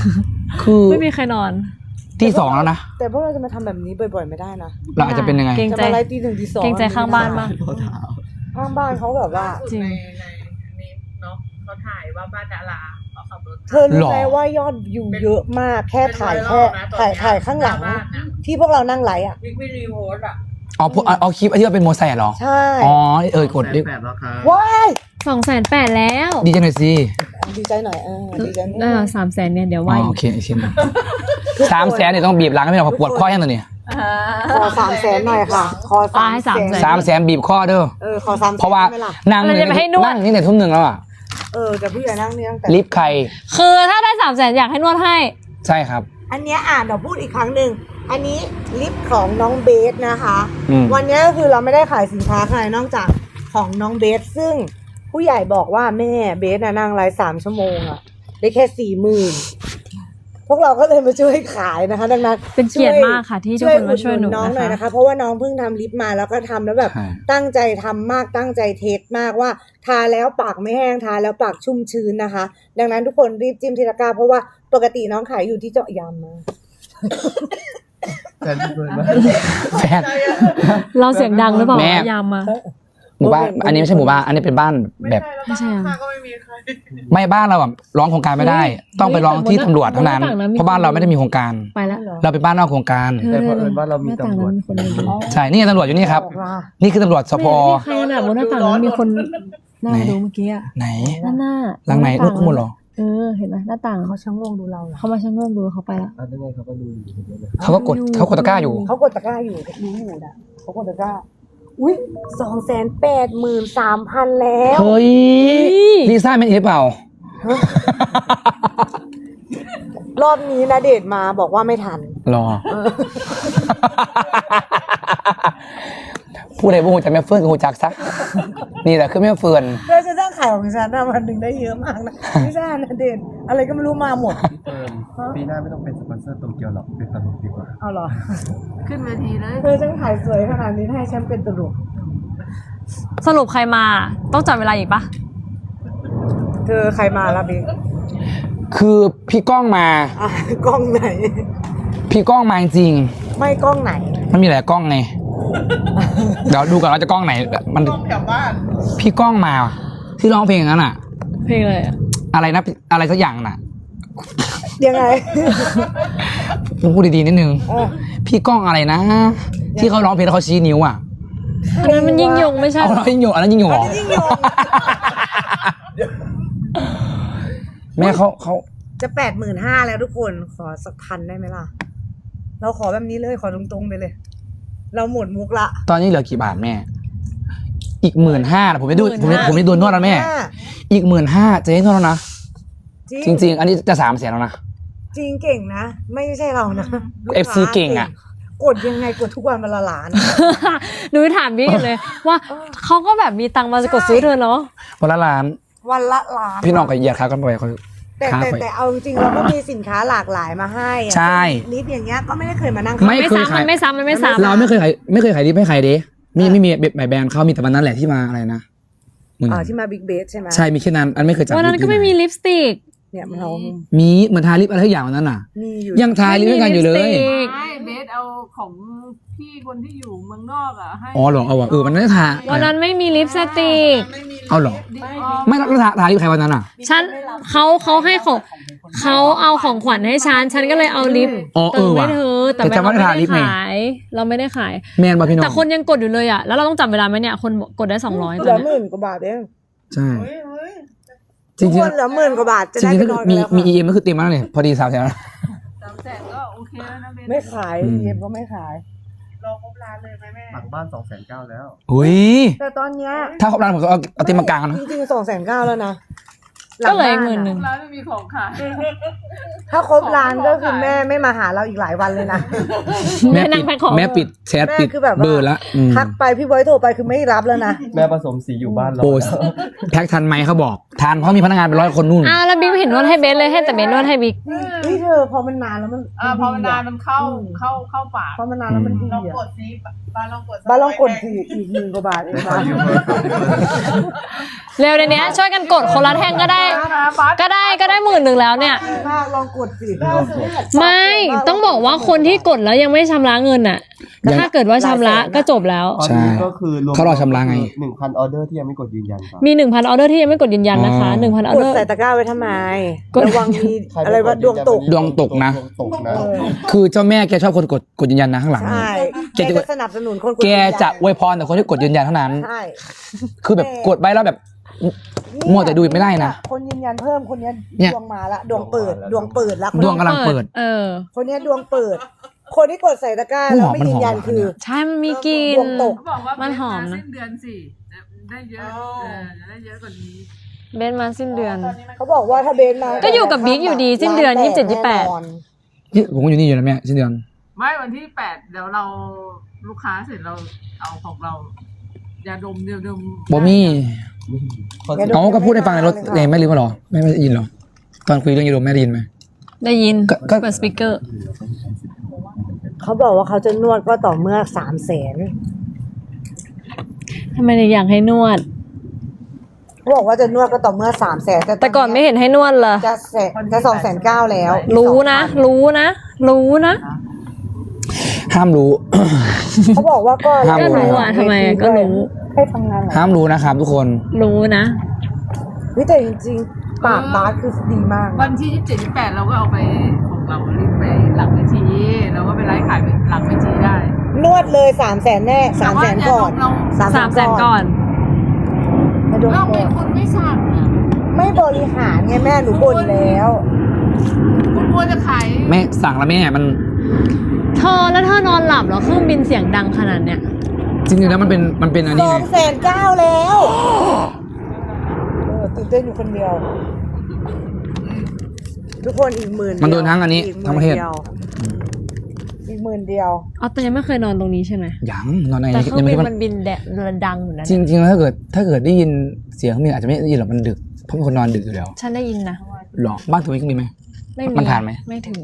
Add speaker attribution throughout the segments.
Speaker 1: คือ
Speaker 2: ไม่มีใครนอน
Speaker 1: ที่2แล้วนะ
Speaker 3: แต่พวกเราจะมาทำแบบนี้บ่อยๆไม่ได้นะ
Speaker 1: เราอาจจะเป็นยังไง
Speaker 3: จะมาไล่ตี 1 ตี 2
Speaker 2: เกรงใจข้างบ้านมาก
Speaker 3: ข้างบ้านเขาแบบว่า
Speaker 2: จริง
Speaker 4: นี่เนาะเขาถ่ายว่าบ้านดาราเขาขับรถ
Speaker 3: เธอรู้ไหมว่ายอดวิวเยอะมากแค่ถ่ายข้างหลังที่พวกเรานั่งไลฟ์อ่ะ
Speaker 4: วิรีโพสอ่ะ
Speaker 1: เอาคลิปที่ว่าเป็นโมไซค์เหรอ
Speaker 3: ใช่
Speaker 1: กดดิ
Speaker 5: 8แล้วครับ
Speaker 3: ว้าย
Speaker 2: 280,000แล้ว
Speaker 1: ดีใจหน่อยสิ
Speaker 3: ดีใจหน่อยดีใจ
Speaker 2: 300,000เนี่ยเดี๋ยวว่า
Speaker 1: โอเคเช่น300,000เนี่ยต้องบีบหลังไม่หรอกปวดข้อแค่ตัวนี้
Speaker 3: ขอ300,000หน่อยค่ะขอ
Speaker 1: 300,000บีบข้อเด้อ
Speaker 3: ขอ300,000
Speaker 1: เพราะว่านั่งนี่เนี่ยทุ่ม 1แล้วอ่ะ
Speaker 3: แต่ผู้ใหญ่นั่งนี่ตั้งแต่
Speaker 1: ลิฟต์ใคร
Speaker 2: คือถ้าได้300,000อยากให้นวดให้
Speaker 1: ใช่ครับ
Speaker 3: อันนี้เดี๋ยวพูดอีกครั้งหนึ่งอันนี้ลิฟต์ของน้องเบสนะคะวันนี้ก็คือเราไม่ได้ขายสินค้าใครนอกจากของน้องเบสซึ่งผู้ใหญ่บอกว่าแม่เบสนั่งไลฟ์3 ชั่วโมงได้แค่ 40,000พวกเราก็เลยมาช่วยขายนะคะดังนั้น
Speaker 2: เป็นเกียรติมากค่ะที่ทุกคนมาช่วยหนู
Speaker 3: น้องหน่อยนะคะเพราะว่าน้องเพิ่งทำลิปมาแล้วก็ทำแล้วแบบตั้งใจทำมากตั้งใจเทสมากว่าทาแล้วปากไม่แห้งทาแล้วปากชุ่มชื้นนะคะดังนั้นทุกคนรีบจิ้มทีละกาเพราะว่าปกติน้องขายอยู่ที่เจาะยามมา
Speaker 5: แฟนเปิดมา
Speaker 1: แฟน
Speaker 2: เราเสียงดังหรือเปล่ายามมา
Speaker 1: หมู่บ้านอันนี้ไม่ใช่หมู่บ้านอันนี้เป็นบ้านแบบ
Speaker 2: ไม่ใช่
Speaker 4: ก็ไม่มีใคร
Speaker 1: ไม่บ้านเราแบบร้องโครงการไม่ได้ต้องไปร้องที่ตำรวจเท่านั้นเพราะบ้านเราไม่ได้มีโครงการ
Speaker 2: ไปแล้ว
Speaker 1: เราเป็นบ้านนอกโครงการ
Speaker 5: แต่เพราะเอิญว่าเรามีตำรวจ
Speaker 1: ใช่นี่ตำรวจอยู่นี่ครับนี่คือตำรวจสพ
Speaker 2: ใครน่ะบนหน้าต่างนั้นมีคนนั่งดูเมื่อกี้
Speaker 1: ไหน
Speaker 2: หน้า
Speaker 1: หลังไหนลูกขมุนหรอ
Speaker 2: เห็นไหมหน้าต่าง
Speaker 3: เขาชะโงกดูเรา
Speaker 2: เขามาชะโงกดูเขาไปแล้ว
Speaker 5: เขาก็ดูอยู่
Speaker 1: เขาก็กดตะกร้าอยู่
Speaker 3: เขากดตะกร้าอยู่รู้อยู่นะเขากดตะกร้าอุ้ย283,000แล้ว
Speaker 1: เฮ้ยลิซ่าเป็นเอฟเปล่
Speaker 3: ารอบนี้นะเดชมาบอกว่าไม่ทัน
Speaker 1: รอผู้ใดบ่ฮู้จักแม่เฟื่อนก็ฮู้จักซะนี่แหละคือแม่เฟื่อน
Speaker 3: เราจะต้องขายของฉันวันหนึ่งได้เยอะมากนะไม่ใช่นะเดชอะไรก็ไม่รู้มาหมด
Speaker 5: ปีหน้าไม่ต้องเป็นสปอนเซอร์โตเกียวหรอกเป็นตลกดีกว่า
Speaker 3: เอาหรอ
Speaker 4: ขึ้นเวทีเลย
Speaker 3: เธอฉันขายสวยขนาดนี้ให้ฉันเป็นตลก
Speaker 2: สรุปใครมาต้องจับเวลาอีกปะ
Speaker 3: เธอใครมาล่ะบิ๊ก
Speaker 1: คือพี่ก้องมาก
Speaker 3: ล้องไหน
Speaker 1: พี่ก้องมาจริง
Speaker 3: ไม่กล้องไหน
Speaker 1: มันมีหลายกล้องไงเดี๋ยวดูก่อนว่าจะกล้องไหนมัน
Speaker 4: กล้องแถวบ้าน
Speaker 1: พี่ก้องมาที่ร้องเพลงนั้นอ่ะ
Speaker 2: เพลงอะไร
Speaker 1: นะอะไรสักอย่างน่ะ
Speaker 3: ยังไง
Speaker 1: พูดดีๆนิดนึงพี่ก้องอะไรนะที่เขาร้องเพลงแล้วเขาชี้นิ้วอ่ะ
Speaker 2: อันนั้นมันยิ่งยงไม่ใช่
Speaker 1: ยิ่งยงอันนั้นยิ่งยงเหรอแม่เขา
Speaker 3: จะ85,000แล้วทุกคนขอสัก1,000ได้ไหมล่ะเราขอแบบนี้เลยขอตรงๆไปเลยเราหมดมุกละ
Speaker 1: ตอนนี้เหลือกี่บาทแม่อีก15,000นะผมไม่ดูนวดแล้วแม่อีก15,000จะให้นวดแล้วนะจริงๆอันนี้จะ300,000แล้วนะ
Speaker 3: จริงเก่งนะไม่ใช่เรานะ
Speaker 1: FC เก่งอ่ะ
Speaker 3: กดยังไงกดทุกวันวันละล้าน
Speaker 2: หนูถามพี่เลยว่าเขาก็แบบมีตังค์มาจะกดซื้อเธอเนาะ
Speaker 1: วันละล้านพี่น้องกับเหยียดค้ากันไปเขา
Speaker 3: แต่เอาจริงเราก็มีสินค้าหลากหลายมาให้
Speaker 1: ใช่
Speaker 3: ลิฟต์อย่างเงี้ยก็ไม่ได้เคยมานั่ง
Speaker 2: ไม่เคยขายไม่ซ้ำ
Speaker 1: เราไม่เคยขายลิฟต์ให้ใครเด้ไม่มีแบรนด์เขามีแต่วันนั้นแหละที่มาอะไรนะ
Speaker 3: ที่มาบิ๊กเบสใช่ไหม
Speaker 1: ใช่มีแค่นั้นอันไม่เคยจับ
Speaker 2: วันนั้นก็ไม่มีลิปสติก
Speaker 3: เนี่ยมันเอา
Speaker 1: มีเหมือนทาลิปอะไรทุกอย่างวันนั้นน่ะยังทาลิปด้วยกันอยู่เลย
Speaker 4: เบสเอาของพี่คนที่อยู่เมืองนอกอ่ะให้
Speaker 1: เหรอเอาว่ะมันไม่ทา
Speaker 2: วันนั้นไม่มีลิปสติก
Speaker 1: เอาเหรอไม่แล้วทาลิปใครวันนั้นอ่ะ
Speaker 2: ฉันเขาให้ของเขาเอาของขวัญให้ฉันก็เลยเอาลิป
Speaker 1: ว่ะ
Speaker 2: เธอแต่เราไม่ได้ขาย
Speaker 1: แมนป่ะพี่น้อง
Speaker 2: แต่คนยังกดอยู่เลยอ่ะแล้วเราต้องจับเวลาไหมเนี่ยคนกดได้200
Speaker 3: เหลือ10,000 กว่าบาทเอง
Speaker 1: ใช่
Speaker 3: จริงๆเหลือ10,000 กว่าบาทจะได้ไปนอน
Speaker 1: แล้วมี EM ก็คือเต็มแล้วเนี่ยพอดี300,000แล้ว
Speaker 4: 300,000ก็โอเคแล้วนะเบน
Speaker 3: ไม่ขาย EM ก็ไม่ขาย
Speaker 4: รอครบร้านเลยไหมแม่
Speaker 5: หลังบ้าน290,000แล้ว
Speaker 1: อุ้ย
Speaker 3: แต่ตอนเนี้ย
Speaker 1: ถ้าครบร้านผมจะเอาเต็มมากลางนะ
Speaker 3: จริงๆ290,000แล้วนะ
Speaker 2: ก็เลย10,000
Speaker 4: ร้านไม่มีของขาย
Speaker 3: ถ้าครบร้านก็คือแม่ไม่มาหาเราอีกหลายวันเลยนะ
Speaker 1: แม่ปิดแชทปิดเบอร์ละ
Speaker 3: ทักไปพี่บอยโทรไปคือไม่รับแล้วนะ
Speaker 5: แม่ผสมสีอยู่บ้านเรา
Speaker 1: โพสแพ็คทันไหมเขาบอกทานเพราะมีพนักงานเป็น100 คนนู่น
Speaker 2: อ้าวแล้วบิ๊กไม่เห็นนวดให้เบสเลยให้แต่เบสนวดให้บิ๊ก
Speaker 3: นี่เธอพอมันนานแล้วมัน
Speaker 4: พอมันนานมันเข้าปาก
Speaker 3: พอมันนานแล้วมันดี
Speaker 4: ลอง
Speaker 3: อ่ะ
Speaker 4: กดซิบ้านลองกด
Speaker 3: บ้านลองกดสิอีก10,000 กว่าบาทเองบ้าน
Speaker 2: เร็วในเนี้ยช่วยกันกดคนละแท่งก็ได้ ก็ได้10,000แล้วเนี่ย
Speaker 3: มากลองกดสิ
Speaker 2: ไม่ต้องบอกว่าคนที่กดแล้วยังไม่ชำระเงินอ่ะ ถ้าเกิดว่าชำระก็จบแล้ว
Speaker 5: ตอนนี้ก็คือรวม
Speaker 1: เขารอชำระไง
Speaker 5: 1,000 ออเดอร์ที่ยังไม่กดยืนยันครับ
Speaker 2: มี 1,000 ออเดอร์ที่ยังไม่กดยืนยันนะคะ
Speaker 1: อ๋อ
Speaker 2: 1,000 ออก เด
Speaker 3: ด
Speaker 2: อร์
Speaker 3: ใส่ตะกร้าไว้ทำไม
Speaker 2: กด
Speaker 3: ระวังมีอะไรว่าดวงตก
Speaker 1: ดวงตกนะ
Speaker 5: ดวงตกนะ
Speaker 1: คือเจ้าแม่แกชอบคนกดยืนยันนะข้างหลัง
Speaker 3: ใช่
Speaker 1: แก
Speaker 3: แก
Speaker 1: จะ
Speaker 3: จะสนับสนุนคนกด
Speaker 1: แกจะอวยพรแต่คนที่กดยืนยันเท่านั้น
Speaker 3: ใช่
Speaker 1: คือแบบกดไปแล้วแบบมัวแต่ดูไม่ได้นะ
Speaker 3: คนยืนยันเพิ่มคนนี้
Speaker 1: เนี่ย
Speaker 3: ดวงมาละดวงเปิดดวงเปิดละ
Speaker 1: ดวงกำลังเปิด
Speaker 3: คนนี้ดวงเปิด คนที่กดใส่ตะกร้าแล้วไม่ยืนยันคือ
Speaker 2: ใช่ มันมีกลิ่น
Speaker 3: ดวงตก
Speaker 4: เขาบอกว่า
Speaker 2: มันหอมนะ
Speaker 4: สิ้นเดือนสิได้เยอะจะได้เยอะกว่านี้
Speaker 2: เบสมาสิ้นเดือน
Speaker 3: เขาบอกว่าถ้าเบนมา
Speaker 2: ก็อยู่กับบิ๊กอยู่ดีสิ้นเดือน27 28
Speaker 3: แน่นอน
Speaker 1: นี่ผมก็อยู่นี่อยู่แล้วแม่สิ้นเดือน
Speaker 4: ไม่วันที่8เดี๋ยวเราลูกค้าเสร็จเราเอาของเรายาดมเดียวดม
Speaker 1: บอมี่เขาก็พูดให้ฟังในรถเองไม่ลืมมาหรอไม่ได้ยินหรอตอนคุยเรื่องยูโรแม่ได้ยินไหม
Speaker 2: ได้ยิน
Speaker 1: ก็
Speaker 2: เปิดสปีกเกอร์
Speaker 3: เขาบอกว่าเขาจะนวดก็ต่อเมื่อ300,000
Speaker 2: ทำไมถึงอยากให้นวด
Speaker 3: เขาบอกว่าจะนวดก็ต่อเมื่อ300,000
Speaker 2: แต่ก่อนไม่เห็นให้นวดเลย
Speaker 3: จะ2,900,000แล้ว
Speaker 2: รู้นะ รู้นะ รู้นะ
Speaker 1: ห้ามรู้
Speaker 3: เขาบอกว่าก็
Speaker 1: ห้าม
Speaker 2: ก็รู้อ่ะทำไมก็รู้
Speaker 3: ให้ทำงานเหรอ
Speaker 1: ห้ามรู้นะครับทุกคน
Speaker 2: รู้นะ
Speaker 3: เฮ้ยแต่จริงๆปากบาสคือดีมาก
Speaker 4: วันที่27 28เราก็เอาไปของเรารีบไปหลังเวทีเราก็ไปไลฟ์ขายหลังเวทีได้
Speaker 3: นวดเลย300,000แน่300,000ก่อน
Speaker 2: 300,000 ก่อน
Speaker 3: ให้ดู
Speaker 4: เรา
Speaker 3: ก่
Speaker 4: เป็
Speaker 3: อน น
Speaker 4: คนไม่สั่งอ่ะ
Speaker 3: ไม่บริหารไงแม่หนูบ่นแล้ว
Speaker 4: คุณควรจะขาย
Speaker 1: แม่สั่งแล้วแม่มัน
Speaker 2: เธอแล้วเธอนอนหลับเหรอเครื่องบินเสียงดังขนาดเนี้ย
Speaker 1: จริงๆแล้วมันเป็นอันนี้ไง
Speaker 3: 2,900,000แล้วตื่นเต้นอยู่คนเดียว ทุกคนอีก10,000
Speaker 1: มันโดนทั้งอันนี้
Speaker 3: อีก
Speaker 1: ทั้งประเทศ
Speaker 3: อีก10,000 เดียว
Speaker 2: อ๋อแต่ยังไม่เคยนอนตรงนี้ใช่ไหม
Speaker 1: ยังนอนใน
Speaker 2: แต่เครื่อ
Speaker 1: ยัง ง
Speaker 2: บิ
Speaker 1: ไม่
Speaker 2: น
Speaker 1: ได้
Speaker 2: มันบินแดดดังอยู่นะ
Speaker 1: จริงๆแล้วถ้าเกิดได้ยินเสียงเครื่องบินอาจจะไม่ได้ยินหรอกมันดึกเพราะเป็นคนนอนดึกอยู่แล้ว
Speaker 2: ฉันได้ยินนะ
Speaker 1: หรอบ้านตัวมีเครื่องบินไหม
Speaker 2: ไม่
Speaker 1: มันผ่านไหม
Speaker 2: ไม่ถึง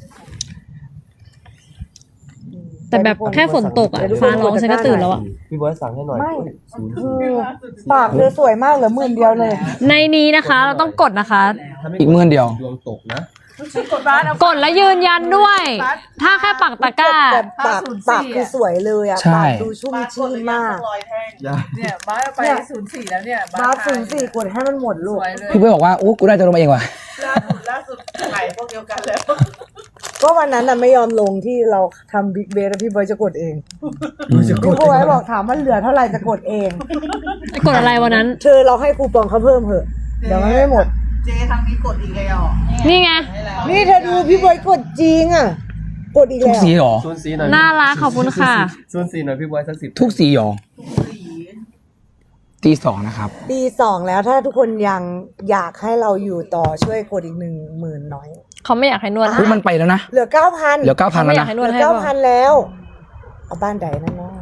Speaker 2: แต่แบบแค่ฝนตกอ่ะฟ้าร้องฉันก็ตื่นแล้วอ่ะ
Speaker 5: พี่บอยสั่งให้หน่อย
Speaker 3: ไม่
Speaker 5: ศูนย์
Speaker 3: คือปากเธอสวยมากเหลือ10,000 เดียวเลย
Speaker 2: ในนี้นะคะ เราต้องกดนะคะ
Speaker 1: อีก10,000 เดียว
Speaker 5: ดวงตกนะ
Speaker 4: กดบ้านเอา
Speaker 2: กดแล้วยืนยันด้วย ถ้าแค่ปักตะกร้า
Speaker 3: แต่ปากคือสวยเลยอ่ะ
Speaker 1: ใช่
Speaker 3: ปากดูชุ่มชื่นมาก
Speaker 4: เนี่ยบ้านเอาไป04แล้วเนี่ย
Speaker 3: บาส04กดให้มันหมด
Speaker 4: ส
Speaker 3: ลูก
Speaker 4: วยเลย
Speaker 1: พี่เพื่อนบอกว่าอู้กูได้จะลงมาเองว่ะ
Speaker 4: ล่าสุดขายพวกเดียวกันแล้ว
Speaker 3: ก็วันนั้นน่ะไม่ยอมลงที่เราทำบิ๊กเบสแล้วพี่บอยจะกดเองพี่บอยบอกถามว่าเหลือเท่าไหร่จะกดเอง
Speaker 2: กดอะไรวันนั้น
Speaker 3: เธอเราให้คูปองเขาเพิ่มเถอะเดี๋ยวมันไม่หมด
Speaker 4: เจ๊ทางนี้กดอีกแล้ว
Speaker 2: นี่ไง
Speaker 3: นี่เธอดูพี่บอยกดจริงอ่ะ กดอีก
Speaker 1: ทุก
Speaker 3: แล้ว
Speaker 1: สีเหรอ
Speaker 5: ศูนย์สีหน่อย
Speaker 2: น่ารักขอบคุณค่ะ
Speaker 5: ศูนย์สีหน่อยพี่บอยสัก10
Speaker 1: ทุกสีเหรอตี 2นะครับ
Speaker 3: ปี2แล้วถ้าทุกคนยังอยากให้เราอยู่ต่อช่วยกดอีก10,000น้อย
Speaker 2: เขาไม่อยากให้นวด
Speaker 1: อุ้ยมันไปแล้วนะ
Speaker 3: เหลือ 9,000
Speaker 1: เหลือ 9,000
Speaker 2: ไม่
Speaker 1: แล้ว
Speaker 2: อยาก
Speaker 1: นะ
Speaker 2: ให้น
Speaker 3: เห
Speaker 2: ว
Speaker 3: ลื
Speaker 2: ด
Speaker 3: อ
Speaker 2: ให้ป่ะ
Speaker 3: 9,000แล้วเอาบ้านใดนั่นเนาะ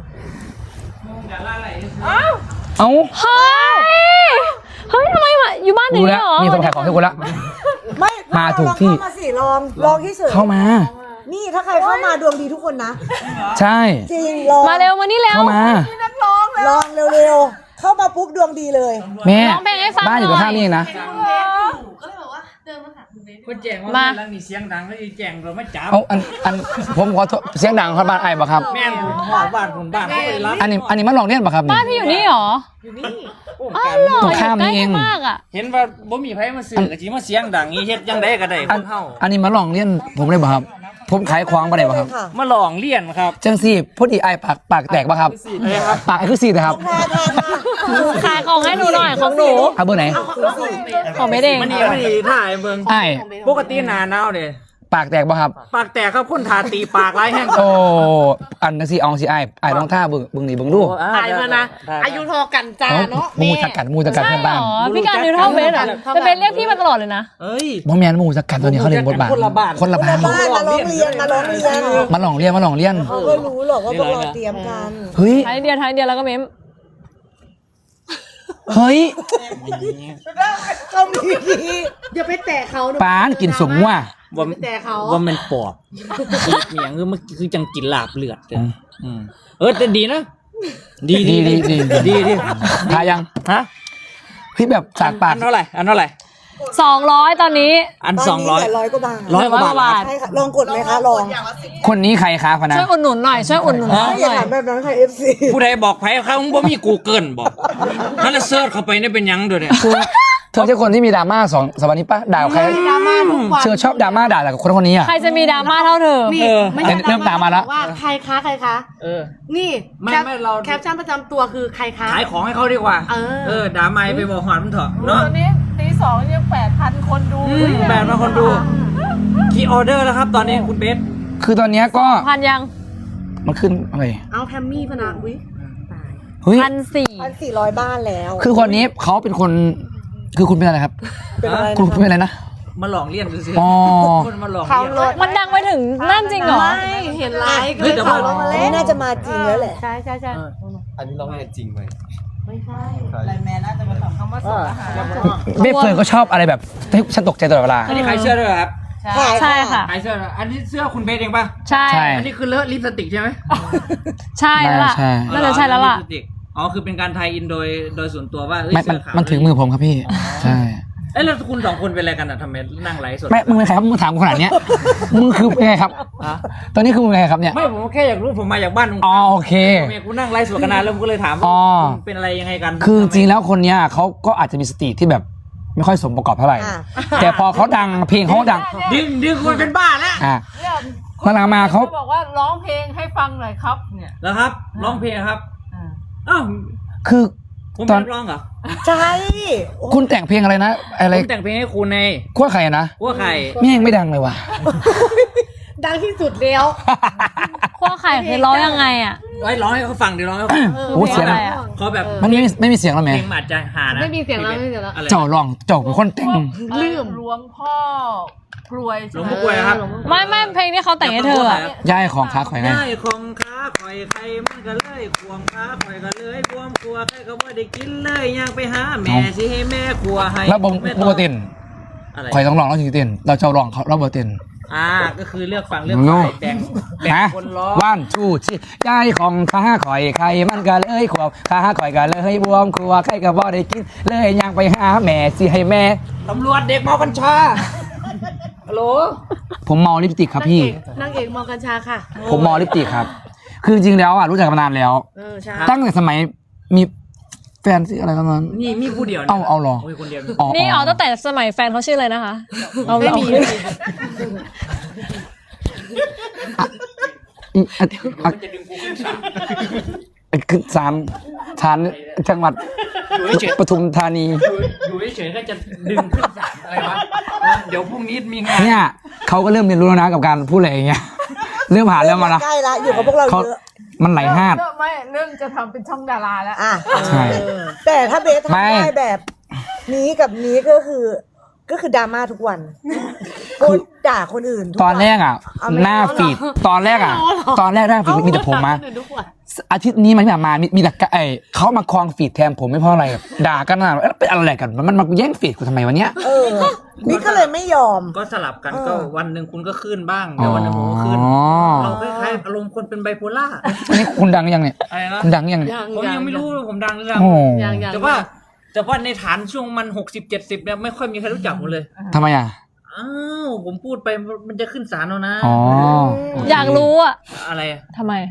Speaker 1: เอ้า
Speaker 2: เฮ้ย เฮ้ยทำไมมาอยู่บ้านอย่าง
Speaker 1: รู้
Speaker 2: นี้
Speaker 1: แล้ว
Speaker 2: เหรอ
Speaker 1: มีคนขายของให้กูแล้ว
Speaker 3: ไม่
Speaker 1: มาถูกที่
Speaker 3: ลองเข้ามาสิลองที่สุด
Speaker 1: เข้ามา
Speaker 3: นี่ถ้าใครเข้ามาดวงดีทุกคนนะ
Speaker 1: ใช่
Speaker 3: จริงลอง
Speaker 2: มาเร็วมานี่เร็ว
Speaker 1: เข้ามา
Speaker 3: ลองเร็วๆเข้ามาปุ๊บดวงดีเลย
Speaker 1: แม่
Speaker 2: ร้องเพลงให้ฟัง
Speaker 1: บ้านอยู่
Speaker 2: หน่
Speaker 1: กับ
Speaker 2: อย
Speaker 1: ข้างนี่เองนะ
Speaker 6: คนแจ้งว่า
Speaker 2: มา
Speaker 6: เรื่องนี้เสียงดังแล้วอีแจ้งเราไม่จับ
Speaker 1: เอาอันผมขอโทษเสียงดังครับบ้านไอ้บ่ครับ
Speaker 6: แม่นหอดบ้านผมบ้านเขาไปรับ
Speaker 1: อันนี้มันลองเล่นป่ะครับ
Speaker 2: บ้านพี่อยู่นี่เหรอ อ้าวเหรอ
Speaker 1: ตรงข้ามนี่เอง
Speaker 2: ยู่ใกล้กัมากอ่ะ
Speaker 6: เห็นว่าบ่มีไผมาซื้อกะจิมาเสียงดังอีเฮ็ดจังไดก็ได้ค
Speaker 1: อัน
Speaker 6: นเฮา
Speaker 1: อันนี้มันลองเล่นผมเลยป่ะครับ ผมขายควางป่ะได้ป่ะครับ
Speaker 3: ค่ะ
Speaker 6: มาลองเรียนครับ
Speaker 1: จังซี่พอดีไอ้ปากแตกป่ะครับ
Speaker 6: อะไรครับ
Speaker 1: ปากไอ้คือสีนะครับ
Speaker 2: ขายของให้หนูหน่อยของหนู
Speaker 1: เอาเบอร์ไหน
Speaker 2: ของไม่เด้ง
Speaker 6: มันนี่ถ่ายเบิ่ง
Speaker 1: ไอ้
Speaker 6: ปกติหน้าหนาวเด้
Speaker 1: ปากแตกป่ะครับ
Speaker 6: ปากแตกครับคนทาตีปากหลายแห่ง
Speaker 1: โอ้อันนั้นสิเอาสิไอ้ลองท่าเบิ่งนี่เบิ่งดู
Speaker 6: ถ่ายมานะ
Speaker 3: อายุทอกันจ้าเนาะ
Speaker 1: มูจักกัดเพื่อน
Speaker 2: ใช่
Speaker 1: บ้าน
Speaker 2: เหรอพี่การดูเท่าเบสเหรอแต่เบสเรียกพี่มาตลอดเลยนะ
Speaker 6: เอ้ย
Speaker 1: บ่แม่นมูจักกัดตัวนี้เขาเล่นบทบาท
Speaker 6: คนละบ้าน
Speaker 1: คนละบ้าน
Speaker 3: บ้านมาร้องเรียนมาลองเรียน
Speaker 1: มาลองเรียน
Speaker 3: เขาก็รู้หรอกว่าพวกเราเตรียมกัน
Speaker 1: เฮ้ย
Speaker 2: ท้ายเดียวแล้วก็เม้ม
Speaker 1: เฮ้ย
Speaker 3: เขามีอย่าไปแตะเขา
Speaker 1: ปานกินสมว่ะ
Speaker 6: ว่า
Speaker 3: ไปแตะเขา
Speaker 6: ว่ามันปอบคือเมียงคือจังกินลาบเลือดเลยแต่ดีนะ ดี
Speaker 1: ดีทายัง
Speaker 6: ฮะ
Speaker 1: พี่แบบสากปาก
Speaker 6: อันเท่าไหร่
Speaker 2: 200 ตอนนี้
Speaker 6: อัน
Speaker 3: ตอนนี้เหลือ100 กว่าบาท
Speaker 6: 100 กว่าบาท
Speaker 3: ใช่ค่ะลองกดไหมคะลอง
Speaker 1: คนนี้ใครคะพนะ
Speaker 2: ช่วยอุดหนุนหน่อยช่วยอุดหนุนหน่
Speaker 3: ไม่
Speaker 2: อย
Speaker 3: อย่าถามแบบนั้นค่ะ FC
Speaker 6: ผู้ใดบอกไผเขาบ่มี Google บอกนั่นละเสิร์ชเข้าไปเนี่ยเป็นหยังด้วยเนี่ย
Speaker 1: เธอใช่คนที่มีดราม่าสวันนี้ปะด่าใคร
Speaker 3: ดราม่าทุกวัน
Speaker 1: เธอชอบดราม่าด่าแต่กับคนนี้อ่ะ
Speaker 2: ใครจะมีดราม่าเท่าเธอ
Speaker 3: นี่ไม่ใช่
Speaker 1: เริ่มตามมาแล้ว
Speaker 3: ว่าใครคะใครคะ นี่
Speaker 6: ไม่เรา
Speaker 3: แคปชั่นประจำตัวคือใครคะ
Speaker 6: ขายของให้เขาดีกว่า ด่าไม่ไปบอกหอนมันเถอะเนาะ
Speaker 4: ตอนนี้ตี 2ยัง8,000 คนดู
Speaker 6: 8,000 คนดูกี่ออเดอร์แล้วครับตอนนี้คุณเบส
Speaker 1: คือตอนเนี้ยก็
Speaker 2: พันยัง
Speaker 1: มันขึ้นอะไร
Speaker 3: เอาแพมมี่พนักวิ
Speaker 1: เฮ้ย
Speaker 3: 1,400 บ้านแล้ว
Speaker 1: คือคนนี้เขาเป็นคน คือคุณเป็นอะไรครับ
Speaker 3: เป็นอะไร
Speaker 1: คุณเป็นอะไรนะ
Speaker 6: มาหลอกเลี่ยนดูสิ
Speaker 1: อ๋อ
Speaker 6: คนมาหลอก
Speaker 3: เขา
Speaker 6: เลี่ยน
Speaker 3: รถ
Speaker 2: มันดังไปถึงนั่นจริงเหรอ
Speaker 3: ไม่เห็นไลฟ์ก็เลย
Speaker 6: แต่
Speaker 3: ขั
Speaker 6: ว่า
Speaker 3: บรถมาเล่นน่าจะมาจริงแล้วแหละ
Speaker 2: ใช่ใช่ใช่
Speaker 5: อันนี้ร้องเรียนจริงไหม
Speaker 3: ไม่ใช่
Speaker 5: ใช่
Speaker 4: แม่น่าจะมาทำคำว่าส่งอาหาร
Speaker 1: เบฟเฟิร์นก็ชอบอะไรแบบให้ฉันตกใจตลอดเวลา
Speaker 6: อันนี้ขายเสื้อด้วยเหรอครับ
Speaker 2: ใช่ค่ะ
Speaker 6: ขายเสื้อด้วยอันนี้เสื้อคุณเบสเองป่ะ
Speaker 2: ใช่
Speaker 1: ใช่
Speaker 6: อันนี้คือเลอะลิปสติกใช่ไหม
Speaker 2: ใช่แล้วล่ะ
Speaker 1: ใช่
Speaker 2: น่าจะใช่แล้วล่ะ
Speaker 6: ลิปสติกอ๋อคือเป็นการไทยอินโดยส่วนตัวว่าเอ้ย
Speaker 1: ไม่มัน
Speaker 6: เสื้อขาว
Speaker 1: มันถึงมือผมครับพี่ ใช่
Speaker 6: เอ้ยแล้วคุณสองคนเป็นอะไรกันอ่ะทำไมนั่งไลฟ์สด
Speaker 1: ไม่มึงเป็นใครครับมึงถามกูขนาดเนี้ยมึงคือเป็นไงครับ ตอนนี้คือมึงเป็นไงครับเนี่ย
Speaker 6: ไม่ผมแค่อยากรู้ผมมาจากบ้านมึง
Speaker 1: อ๋อโอเค
Speaker 6: เมียกูนั่งไลฟ์สดกันนานแล้วผมก็เลยถาม
Speaker 1: อ๋
Speaker 6: ว่า
Speaker 1: อ
Speaker 6: คุณเป็นอะไรยังไงกัน
Speaker 1: คือจริงๆแล้วคนเนี้ยเขาก็อาจจะมีสติที่แบบไม่ค่อยสมประกอบเท่าไหร่
Speaker 3: อ่ะ
Speaker 1: แต่พอเขาดังเพลงเขาดัง
Speaker 6: ดึงคุณเป็นบ้าแล้ว
Speaker 1: อ่ะหลังๆมาเขา
Speaker 4: บอกว่าร้องเพลงให้ฟังหน่อยครับเนี่ย
Speaker 6: แล้วครับร้องเพลงครับอ้าว
Speaker 1: คือ
Speaker 6: ผม
Speaker 1: ต
Speaker 6: เป็
Speaker 1: อน
Speaker 6: นนักร้องเหรอ
Speaker 3: ใช่
Speaker 1: คุณแต่งเพลงอะไรนะอะไร
Speaker 6: ผมแต่งเพลงให้คุณใน
Speaker 1: ขั้วไข่นะ
Speaker 6: กัวไข่
Speaker 1: แม่งไม่ดังเลยว่ะ
Speaker 3: ดังที่สุดแล้ว
Speaker 2: ขั้วไข่คือร้องยังไงอ่ะ
Speaker 6: ไว้ร้องให้เขาฟังดิร้องให้เขาฟัง
Speaker 1: โอ้เสียง
Speaker 2: อะไรอะ
Speaker 6: เขาแบบ
Speaker 1: มันไม่มีเสียงแล้ว
Speaker 6: เพ
Speaker 1: แม่
Speaker 6: ลงมันอาจจะหานะ
Speaker 3: ไม่มีเสียงแล้วไม่มีเสียงแล้ว
Speaker 6: อะไร
Speaker 1: เจ้าร้องเจ้าเป็นคนแต่ง
Speaker 4: ลืมหลวงพ่อกรวย
Speaker 6: หลวงพ่อกล้วยนะครับ
Speaker 2: ไม่เพลงที่เขาแต่งให้เธออะ
Speaker 1: ย่ายของค้าข่อยไง
Speaker 6: ได้ของค้าข่อยไข่มันก็เลยควงค้าข่อยก็เลยบวมครัวใครก็บ่ได้กินเลยอยากไปหาแม่สิให้แม่ครัวให้
Speaker 1: แล้วบง
Speaker 6: แม่
Speaker 1: โบเต้น
Speaker 6: อะไร
Speaker 1: ข่อยต้องร้องแล้วถึงจะเต้นเราเจ้าร้องเขาเราโบเต้น
Speaker 6: ก็คือเลือกฟังเลือก
Speaker 1: โง่
Speaker 6: แบ่ง
Speaker 1: ฮะ
Speaker 6: คนร้อง
Speaker 1: ว่านชูชีย่ายของค้าข่อยไข่มันก็เลยขวบค้าข่อยก็เลยบวมครัวใครก็บ่ได้กินเลยอยากไปหาแม่สิให้แม่
Speaker 6: ตำรวจเด็กเมากัญชาฮัลโหล
Speaker 1: ผมเมาลิปสติกครับพี่
Speaker 3: นางเอกมองกัญชาค่ะ
Speaker 1: ผมเมาลิปสติกครับ คือจริงๆแล้วรู้จักกันมานานแล้ว
Speaker 3: ใช่
Speaker 1: ตั้งแต่สมัยมีแฟนที่อะไรกันนั้น
Speaker 6: นี่มีผู้เดียว
Speaker 1: เอาเหรอ
Speaker 6: โอ้ยคนเดียว
Speaker 2: นี่อ๋อตั้งแต่สมัยแฟนเขาชื่ออะไรนะคะเอา
Speaker 3: ไม่มี
Speaker 6: จะดึงกูขึ้นศาล
Speaker 1: คือสามฐานจังหวัด
Speaker 6: อยู่เฉย
Speaker 1: ปทุมธานี
Speaker 6: อยู่เฉยๆก็จะดึงขึ้นศาลอะไรวะเดี๋ยวพรุ่งนี้มีงาน
Speaker 1: เนี่ยเขาก็เริ่มเรียนรู้แล้วนะกับการพูดอะไรอย่างเงี้ย เริ่มผ่านแล้วมาละ
Speaker 3: ใกล้ละอยู่กับพวกเรา
Speaker 1: เขา
Speaker 3: เยอะ
Speaker 1: มันไหลห้าด
Speaker 4: ไม่เรื่องจะทำเป็นช่องดาราแล้ว
Speaker 3: อ่ะ
Speaker 1: ใช่
Speaker 3: แต่ถ้าเบสทำ
Speaker 1: ไม่
Speaker 3: ได้แบบนี้กับนี้ก็คือดราม่าทุกวันคนด่าคนอื่นทุก
Speaker 1: ตอนแรกอ่ะ
Speaker 3: เอาไม่
Speaker 1: หน้า
Speaker 3: เอาหรอ
Speaker 1: ฟีดตอนแรกอ่ะ ตอนแรกหน้าฟีดมีแต่ผมมา
Speaker 3: ด่คนอื่นทุกวัน
Speaker 1: อาทิตย์นี้มันแบบมามีแต่เขามาคลองฟีดแทนผมไม่เพราะอะไรแบบด่ากันนะเป็นอะไรกันมันมาแย่งฟีดกูทำไมวะเนี้ย
Speaker 3: นี่ก็เลยไม่ยอม
Speaker 6: ก็สลับกันก็วันหนึ่งคุณก็ขึ้นบ้างเดี๋ยววันหนึ่งผมก็ขึ้น
Speaker 1: อ๋อ
Speaker 6: เราคล้ายๆอารมณ์คนเป็นไบโพล่า
Speaker 1: อันนี้คุณดังยังเนี่ย
Speaker 6: อะไรนะ
Speaker 1: คุณดังยังเนี่ย
Speaker 6: ผมยังไม่รู้ว่าผมดังหรือยัง
Speaker 1: โอ้
Speaker 6: แต่ว่าในฐานช่วงมัน60-70เนี่ยไม่ค่อยมีใครรู้จักผมเลย
Speaker 1: ทำไมอ่ะ
Speaker 6: อ้าวผมพูดไปมันจะขึ้นศาลแล้วนะ
Speaker 1: อ๋อ
Speaker 2: อยากรู้อ่ะ
Speaker 6: อะไรอะ
Speaker 2: ทำไม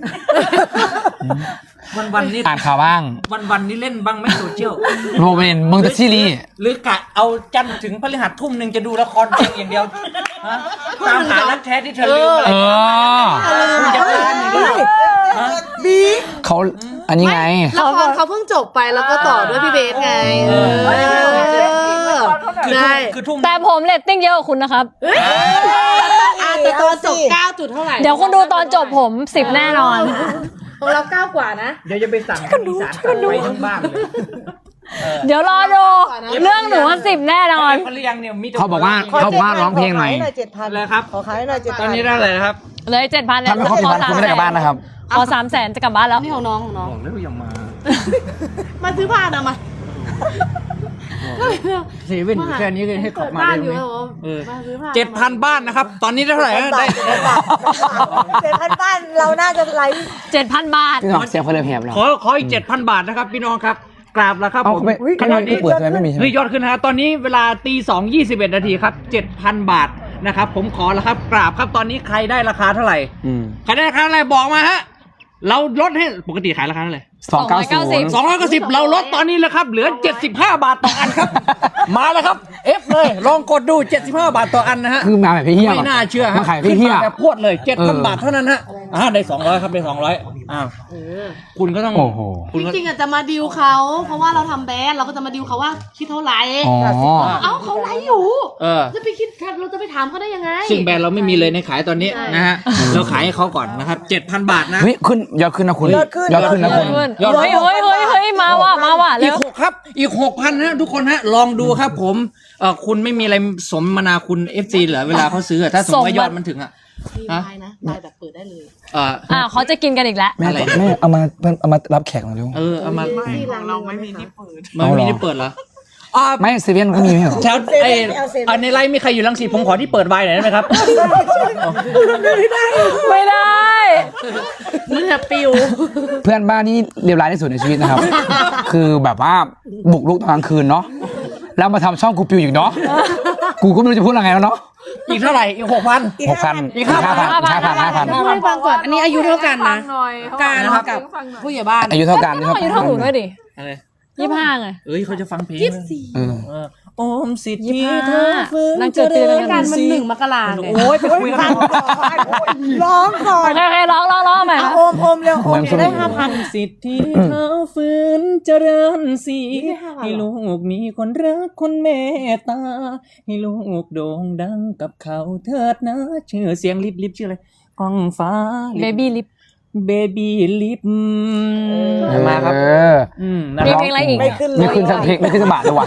Speaker 6: วันนี้
Speaker 1: อ่านข่าวบ้าง
Speaker 6: วันนี้เล่นบ้างไหม่โซเชียล
Speaker 1: โรเวนมึงจะซีรีส์
Speaker 6: หรือกะเอาจันทร์ถึงพฤหัสทุ่มหนึ่งจะดูละครเพียงอย่างเดียวฮะตามหารักแท้ที่เธอลืมอะไร
Speaker 1: เออ
Speaker 6: คุณจะการอย่างนี้ฮะ
Speaker 3: บี
Speaker 1: เขาอันนี้ไง
Speaker 3: ละครเขาเพิ่งจบไปแล้วก็ต่อด้วยพี่เบสไง
Speaker 6: คือ
Speaker 3: ใช่
Speaker 6: ทุ่ม
Speaker 2: แต่ผมเรตติ้งเยอะกว่าคุณนะครับ
Speaker 3: แต่ตอนจบ9 จุดเท่าไหร่
Speaker 2: เดี๋ยวคุณดูตอนจบผม10แน่นอน
Speaker 3: ของเรา9 กว่านะ
Speaker 6: เดี๋ยวจะไปสั่งอีสานไปทั้งบ้านเลย
Speaker 2: เดี๋ยวรอดูเรื่องหนูว่า10แน่นอน
Speaker 6: เขาเรียงเนี่ยมีแต่
Speaker 1: เขาบอกว่าร้องเพลงหน่อย
Speaker 3: 7,000
Speaker 6: เลยครับ
Speaker 3: ขอขายหน่อย7,000
Speaker 6: ตอนนี้ได้เลยนะครับ
Speaker 2: เลย7,000แล้ว
Speaker 1: ถ้าไม่ครบ10,000คุณไม่ได้กลับบ้านนะครับ
Speaker 2: ขอ300,000จะกลับบ้านแล้ว
Speaker 3: นี่ของน้อง
Speaker 6: บอกแล้วอย่ามา
Speaker 3: มาซื้อผ้านะมา
Speaker 6: เซเว่นอยู่แค่นี้เลยให้ขับมาได้ไหม7,000 บ้านนะครับ ตอนนี้ได้เท่าไหร่
Speaker 3: ได้
Speaker 6: ได้
Speaker 3: 7,000 บ้านเราน่าจะไลฟ์
Speaker 2: 7,000 บาท
Speaker 1: พี่น้องเสียงเพลินแหบเนาะ
Speaker 6: ขออีก 7,000 บาทนะครับพี่น้องครับกราบแล้วครับ
Speaker 1: เอา
Speaker 6: ผม
Speaker 1: ไม่
Speaker 6: ขณะนี้
Speaker 1: เปิดทำไมไม่มีใช่ไหม
Speaker 6: เฮ้ยยอดขึ้นนะฮะตอนนี้เวลาตี 2:21 นาทีครับ 7,000 บาทนะครับผมขอแล้วครับกราบครับตอนนี้ใครได้ราคาเท่าไหร่ ใครได้ราคาเท่าไหร่บอกมาฮะเราลดให้ปกติขายราคาเท่าไหร่
Speaker 1: 290
Speaker 6: 290เราลดตอนนี้แล้วครับเหลือ75 บาทต่ออันครับ มาแล้วครับ F เลยลองกดดู75 บาทต่ออันนะฮะ
Speaker 1: คือมาแบบพี่เฮีย
Speaker 6: ไม่น่าเชื่อฮะ
Speaker 1: มาขายพี่เฮีย
Speaker 6: ขึ้นมาแบบพวดเลย 7,000 บาทเท่านั้นฮะได้200ครับได้200อ้าวคุณก็ต้อง
Speaker 1: โอ้โห
Speaker 6: คุณก็
Speaker 7: จริงๆจะมาดิวเขา เพราะว่าเราทำแบรนด์เราก็จะมาดิวเขาว่าคิดเท่าไหร่
Speaker 1: อ๋อ
Speaker 7: เอ้าเขาไลฟ์อยู่
Speaker 6: เออ
Speaker 7: จะไปคิดเราจะไปถามเขาได้ยังไง
Speaker 6: ซึ่งแบรนด์เราไม่มีเลยในขายตอนนี้
Speaker 7: ใช่
Speaker 6: นะฮะเราขายให้เขาก่อนนะครับ 7,000 บาทนะ
Speaker 1: เฮ้ยขึ้นยอดขึ้นนะคุณ
Speaker 3: ยอดขึ้น
Speaker 1: ยอดขึ้นนะคุณ
Speaker 6: ยอด
Speaker 2: เฮ้ยมาว่ะ
Speaker 6: อี
Speaker 2: เร็
Speaker 6: ก
Speaker 2: ว
Speaker 6: 6ครับอีก 6,000ฮะทุกคนฮะลองดูครับผมคุณไม่มีอะไรสมนาคุณ FC เหรอเวลาเขาซื้ออะถ้าสมมติว่ายอดมันถึงอะ
Speaker 7: มีไลน์นะไลน์แบบเปิดได้เลย
Speaker 2: เขาจะกินกันอีกแล้ว
Speaker 1: แม่
Speaker 6: อะไร
Speaker 1: แม่เอามารับแขกหน่อยเร็ว
Speaker 6: เอามา
Speaker 4: ไม่ของเราไม่มีที่เปิด
Speaker 6: มันไม่ได้เปิดเหรอ
Speaker 1: ไม่เซเว่นก็มีไม่เหรอ
Speaker 6: แถวในไลน์มีใครอยู่รังสิตผมขอที่เปิดไวน์หน่อยได้ไหมครับ
Speaker 2: ไม่ได้
Speaker 7: มือปิว
Speaker 1: เพื่อนบ้านนี่เลวร้ายที่สุดในชีวิตนะครับ คือแบบว่าบุกรุกตอนกลางคืนเนาะแล้วมาทำช่องกูปิวอีกเนาะกูก็ไม่รู้จะพูดอะไรแล้วเนาะ
Speaker 6: อีกเท่าไหร่อีก 6,000
Speaker 1: 6,000
Speaker 6: อีก
Speaker 1: 5,000
Speaker 7: พูดให้ฟังก่อน อันนี้อายุเท่ากันนะ การ
Speaker 6: นะครับ
Speaker 7: กับผู้ใหญ่บ้าน
Speaker 1: อายุเท่ากัน
Speaker 2: ก็อายุเท่าหนูด้วยดิ
Speaker 6: อะไร
Speaker 2: 25ไง
Speaker 6: เอ้ยเขาจะฟังเพลง
Speaker 1: เออ
Speaker 6: โอมสิทธิ
Speaker 2: 25
Speaker 6: เธอฟื้น
Speaker 2: นางเกิดปีเดียวกัน
Speaker 7: การมัน1 มกราไง
Speaker 6: โอ้ยไปคุยกัน
Speaker 3: ร้องก่อน
Speaker 2: โอเคร้องใหม่
Speaker 3: อ่ะโอมเร็วโอมจะได้5,000
Speaker 6: สิทธิเธอฟื้นเจริญสีให้ลูกมีคนรักคนเมตตาให้ลูกโด่งดังกับเขาเถิดนะชื่อเสียงลิบชื่ออะไรก้องฟ้า
Speaker 2: เบบี้ลิป
Speaker 6: เบบี้ลิปมาครับ
Speaker 1: เออ
Speaker 6: นะ
Speaker 2: มี
Speaker 6: ครับ
Speaker 2: เพลงอะไรอีก
Speaker 3: ไม่ขึ้นเลย
Speaker 1: ไม่ขึ้นสักเพลงไม่ขึ้นสักบาทเลยว่ะ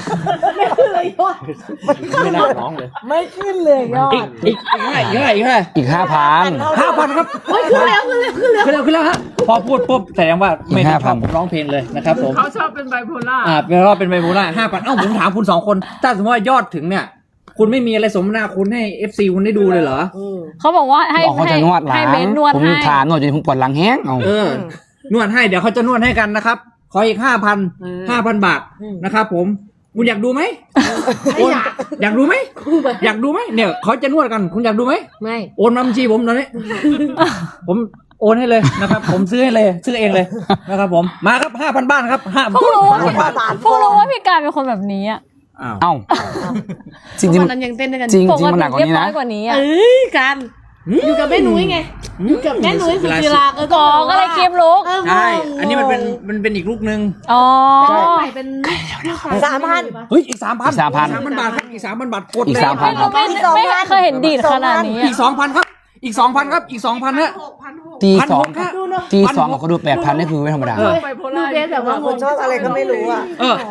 Speaker 6: ไม่น่าร้องเลย
Speaker 3: ไม่ขึ้นเลยยอด
Speaker 6: อีกเท่าไหร่
Speaker 1: อีก 5,000
Speaker 6: 5,000ครับขึ้นแล้วฮะพอพูดปุ๊บแสดงว่าไม่ได้ชอบร้องเพลงเลยนะครับผม
Speaker 4: เขาชอบเป็นไบโพล่า
Speaker 6: เป็นรอบเป็นไบโพล่า 5,000 ผมถามคุณ2คนถ้าสมมติว่ายอดถึงเนี่ยคุณไม่มีอะไรสมนาคุณให้ FC คุณได้ดูเลยเหรอ
Speaker 2: เขาบอกว่าให้
Speaker 1: บอกเขาจะนวดหลั
Speaker 2: ให้
Speaker 1: ง
Speaker 2: เบนนวด
Speaker 1: ผม
Speaker 2: ให้
Speaker 1: ถามนวดจนผมปวดหลังแห้งเอา
Speaker 6: นวดให้เดี๋ยวเขาจะนวดให้กันนะครับขออีก 5,000 บาทนะครับผมคุณอยากดูไหมอยากดูไหมอยากดูไหมเนี่ยเขาจะนวดกันคุณอยากดูไหม
Speaker 7: ไม่
Speaker 6: โอนมาบัญชีผมตอนนี้ ผมโอนให้เลยนะครับ ผมซื้อให้เลยซื้อเองเลยนะครับผมมาครับ 5,000 บาทครับ5,000
Speaker 2: พวกรู้ว่า
Speaker 6: บาท
Speaker 2: พวกรู้ว่าพี่การเป็นคนแบบนี้อ่ะ
Speaker 1: เอ้าจริง
Speaker 7: วันนั้นยังเต้นด้วยกัน
Speaker 1: จริง
Speaker 2: ปก
Speaker 1: มันหนั
Speaker 2: ติ
Speaker 1: กกว่า
Speaker 2: เรียบ
Speaker 1: นี้
Speaker 2: ร้
Speaker 1: นะ
Speaker 2: อยกว่านี้อ่ะ
Speaker 7: กันอยู่กับแม่นุ้ยไงอยู่กับแม่นุ้ยสุจิราก็
Speaker 2: ก่อก็เลยคลิปลุก
Speaker 6: ใช่ อันนี้มันเป็นอีกลูกนึง
Speaker 2: อ๋อ
Speaker 7: ใหม่เป็น
Speaker 3: 3,000
Speaker 6: เฮ้ยอีก 3,000
Speaker 1: 3,000
Speaker 6: 3,000 บาทครับอีก 3,000 บาทกด
Speaker 1: อีก
Speaker 6: เลย
Speaker 1: 3,000 ครับ
Speaker 2: ไม่เคยเห็นดีดขนาดนี้
Speaker 6: อีก 2,000 ครับอีก 2,000 ครับอีก 2,000 ฮะ
Speaker 1: ตีสอง
Speaker 6: 1,600ครับ
Speaker 1: ตีสองกับเขาดู8,000นี่คือไม่ธรรมดา
Speaker 6: เออ
Speaker 4: ไบโพ
Speaker 7: ดู
Speaker 4: ล่า
Speaker 7: เบสแบบว่า
Speaker 3: คนชอบอะไรก็ไม่รู้อ่ะ
Speaker 6: เออ